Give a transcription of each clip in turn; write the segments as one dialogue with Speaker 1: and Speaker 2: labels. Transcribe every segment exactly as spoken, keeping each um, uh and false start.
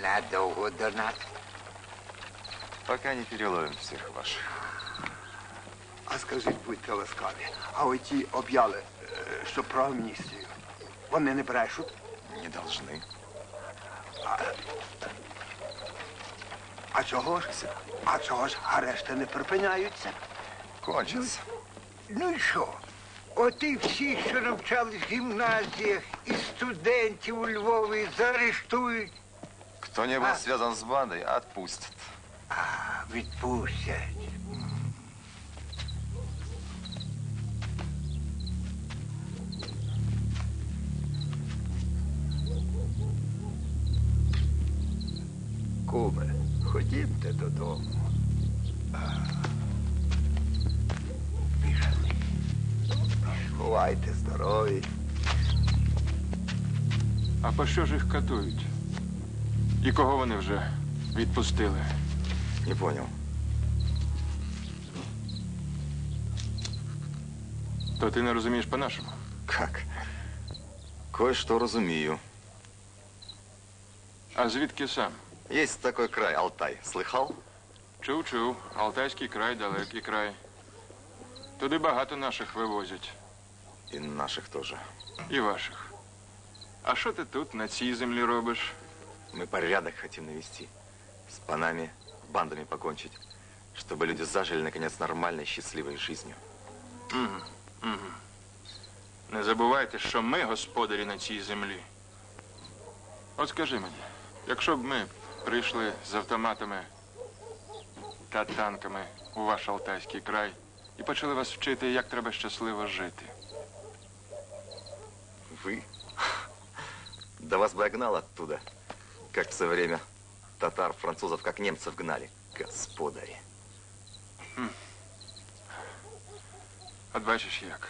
Speaker 1: Надовго донат?
Speaker 2: Пока не переловим всех ваших.
Speaker 1: А скажіть, будьте ласкаві, а оті об'яли, що про амністію, вони не брешуть?
Speaker 2: Не должны.
Speaker 1: А, а чого ж? А чого ж арешти не припиняються?
Speaker 2: Кончится.
Speaker 3: Ну і що? От і всі, що навчались в гімназіях, і студентів у Львові заарештують.
Speaker 2: Кто не был
Speaker 3: А?
Speaker 2: связан с бандой, отпустят.
Speaker 3: А, відпустять.
Speaker 1: Куме, ходімте додому.
Speaker 3: Пішли.
Speaker 1: Бувайте здорові.
Speaker 4: А по що ж їх катують? І кого вони вже відпустили?
Speaker 2: Не понял.
Speaker 4: То ти не розумієш по-нашому?
Speaker 2: Как? Кое-что разумею.
Speaker 4: А звідки сам?
Speaker 2: Есть такой край, Алтай. Слыхал?
Speaker 4: Чув-чув. Алтайський край, далекий край. Туди багато наших вивозять.
Speaker 2: И наших тоже.
Speaker 4: І ваших. А що ти тут, на цій землі робиш?
Speaker 2: Мы порядок хотим навести. С панами, бандами покончить. Чтобы люди зажили, наконец, нормальной, счастливой жизнью.
Speaker 4: Угу, угу. Не забувайте, що ми господарі на цій землі. От скажи мені, якщо б ми прийшли з автоматами та танками у ваш Алтайський край і почали вас вчити, як треба щасливо жити.
Speaker 2: Вы? Да вас бы я гнал оттуда, как в свое время татар, французов, как немцев гнали. Господари.
Speaker 4: Хм. От бачиш як.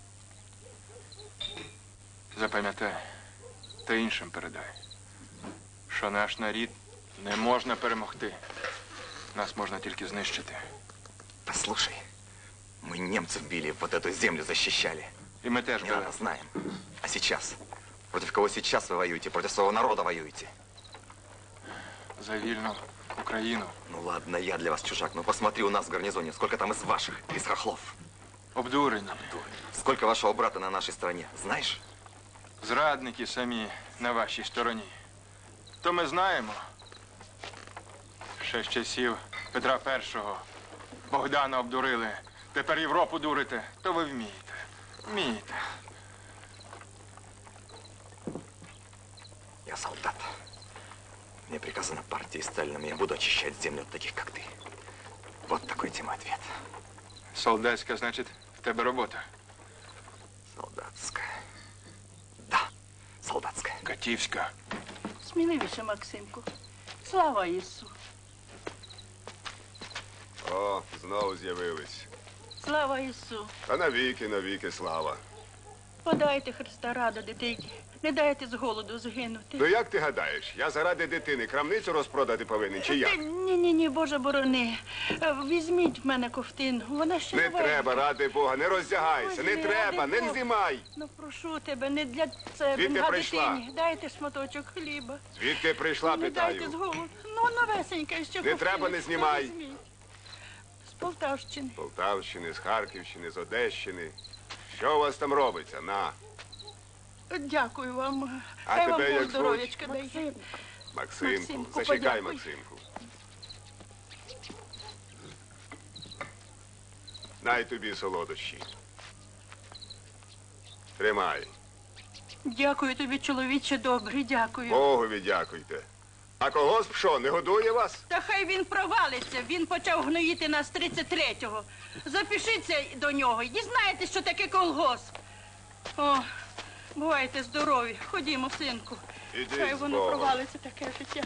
Speaker 4: Запам'ятай, та іншим передай, що наш народ не можна перемогти. Нас можна тільки знищити.
Speaker 2: Послушай, мы немцев били, вот эту землю защищали.
Speaker 4: І ми теж
Speaker 2: Не
Speaker 4: були.
Speaker 2: надо, знаем. А сейчас? Против кого сейчас вы воюете? Против своего народа воюете?
Speaker 4: За вільну Україну.
Speaker 2: Ну ладно, я для вас чужак, но посмотри у нас в гарнизоне, сколько там из ваших, из хохлов.
Speaker 4: Обдурені.
Speaker 2: Сколько вашего брата на нашей стороне, знаешь?
Speaker 4: Зрадники самі на вашій стороні. То ми знаємо. Ще з часів Петра Першого. Богдана обдурили. Тепер Європу дурите. То ви вмієте. Вмієте.
Speaker 2: Я солдат. Мне приказано партией Сталином, я буду очищать землю от таких, как ты. Вот такой тебе ответ.
Speaker 4: Солдатська, значить, в тебе робота.
Speaker 2: Солдатская. Да, солдатская.
Speaker 4: Катівська.
Speaker 5: Сміливіше, Максимку. Слава Ісу.
Speaker 6: О, знову з'явились.
Speaker 5: Слава Ісу.
Speaker 6: Та навіки, навіки слава.
Speaker 5: Подайте Христа раду, дитині. Не дайте з голоду згинути.
Speaker 6: Ну як ти гадаєш, я заради дитини крамницю розпродати повинен, чи як?
Speaker 5: Ні-ні-ні, Боже борони. Е, Візьміть в мене ковтину. Вона ще
Speaker 6: Не
Speaker 5: новенька.
Speaker 6: треба, ради Бога, не роздягайся, не
Speaker 5: Ой,
Speaker 6: треба,
Speaker 5: ради
Speaker 6: не
Speaker 5: Бога.
Speaker 6: знімай.
Speaker 5: Ну, прошу тебе, не для себе,
Speaker 6: Звідки
Speaker 5: а
Speaker 6: прийшла?
Speaker 5: дитині. Дайте шматочок хліба.
Speaker 6: Звідки прийшла,
Speaker 5: Не дайте з
Speaker 6: питаю.
Speaker 5: голоду. Ну, новесенька, ще ковтину.
Speaker 6: треба, не знімай.
Speaker 5: Ну, візьміть. З Полтавщини.
Speaker 6: З Полтавщини, з Харківщини, з Одещини. Що у вас там робиться? На.
Speaker 5: Дякую вам.
Speaker 6: А
Speaker 5: Хай вам
Speaker 6: тебе
Speaker 5: Бог
Speaker 6: як
Speaker 5: здоров'ячка дає.
Speaker 6: Максимку,
Speaker 5: Максимку,
Speaker 6: зачекай,
Speaker 5: подякуй.
Speaker 6: Максимку. Най тобі солодощі. Тримай.
Speaker 5: Дякую тобі, чоловіче добрий, дякую.
Speaker 6: Богові дякуйте. А когось що, не годує вас?
Speaker 5: Та хай він провалиться, він почав гноїти нас тридцять третього. Запишіться до нього і дізнаєтесь, що таке колгосп. О, бувайте здорові, ходімо, синку.
Speaker 6: Іди
Speaker 5: Хай
Speaker 6: з
Speaker 5: воно
Speaker 6: Богом.
Speaker 5: провалиться таке життя.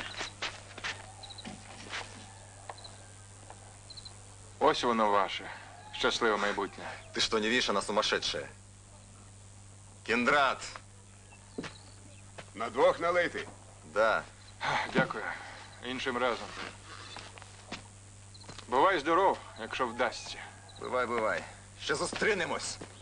Speaker 4: Ось воно ваше. Щасливе майбутнє.
Speaker 2: Ты что, не видишь, она сумасшедшая? Кендрат!
Speaker 6: На двох налити.
Speaker 2: Да.
Speaker 4: Дякую. Іншим разом. Бувай здоров, якщо вдасться.
Speaker 2: Бывай, бывай. Ще зустрінемось.